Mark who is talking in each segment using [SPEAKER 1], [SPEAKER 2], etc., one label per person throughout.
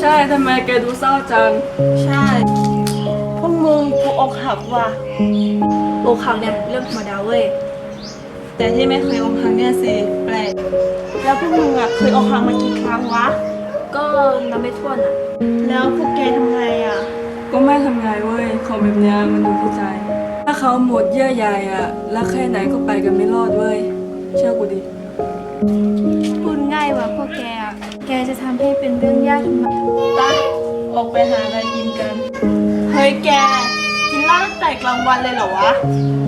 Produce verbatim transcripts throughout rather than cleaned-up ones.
[SPEAKER 1] ช่ทำไมแกดูเศร้าจัง
[SPEAKER 2] ใช่พวกมึงกูอกหักว่ะ
[SPEAKER 3] อกหักเนี่ยเรื่องธรรมดาเว้ย
[SPEAKER 2] แต่ที่ไม่เคยอกหักเนี่ยสิแปลกแล้วพวกมึงอ่ะเคยอกหักมากี่ครั้งวะ
[SPEAKER 3] ก็นับไม่ถ้วนอ่ะ
[SPEAKER 2] แล้วพวกแกทำไงอ่ะ
[SPEAKER 1] ก็ไม่ทำไงเว้ยของแบบเนี้ยมันดูผู้ใจถ้าเขาหมดเยื่อใยอะรักแค่ไหนก็ไปกันไม่รอดเว้ยเชื่อกูดิ
[SPEAKER 3] พูดง่ายว่าพวกแกอ่ะแกจะทำให้เป็นเรื่องยากทำไม
[SPEAKER 2] ไปออกไปหาอะไรกินกันเฮ้ยแกกินเหล้าตั้งแต่กลางวันเลยเหรอวะ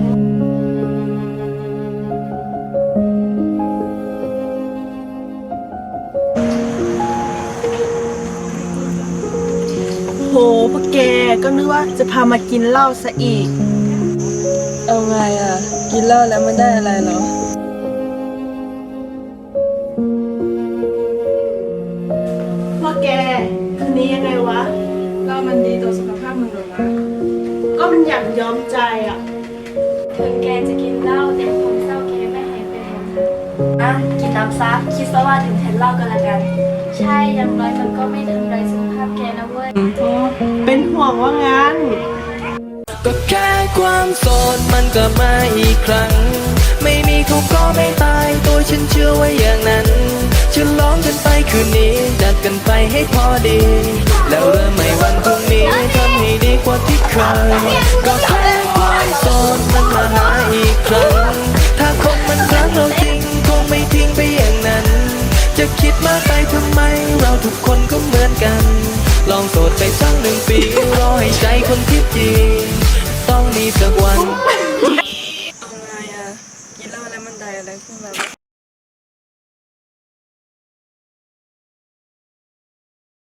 [SPEAKER 2] โหพวกแกก็นึกว่าจะพามากินเหล้าซะอีก
[SPEAKER 1] เอาไงอะกินเหล้าแล้วมันได้อะไรเหรอ
[SPEAKER 2] พวกแกคืนนี้ยังไงวะ
[SPEAKER 1] เหล้ามันดีต่อสุขภาพมึงหรอนะ
[SPEAKER 2] ก็มันอยากยอมใจอ่ะ
[SPEAKER 3] ถึงแกจะกินเหล้าแต่ความเศร้าแกไม่หายไปไหนอ่ะกินน้ำซับคิดซะว่าถึงแทนเหล้ากันละกันใช่อย่างน้อยมันก็ไม่ทำลายสุขภาพแกนะเว้ย
[SPEAKER 2] เป็นห่วงว่างั้น
[SPEAKER 4] ก็แค่ความโสดมันก็มาอีกครั้งไม่มีเขาก็ไม่ตายตัวฉันเชื่อว่าอย่างนั้นฉลองกันไปคืนนี้ดัดกันไปให้พอดีแล้วเริ่มใหม่วันพรุ่งนี้ทำให้ดีกว่าที่เคยก็แค่ความโสดมันมาหาอีกครั้งถ้าคนมันรักเราจริงคงไม่ทิ้งไปอย่างนั้นจะคิดมากไปทำไมเราทุกคนก็เหมือนกันลองโสดไปสักหนึ่งปีรอให้ใจคนที่จริงต้องมีสักวัน
[SPEAKER 1] เอาไงอะกินเหล้าแล้วมันได้อะไรขึ้นมา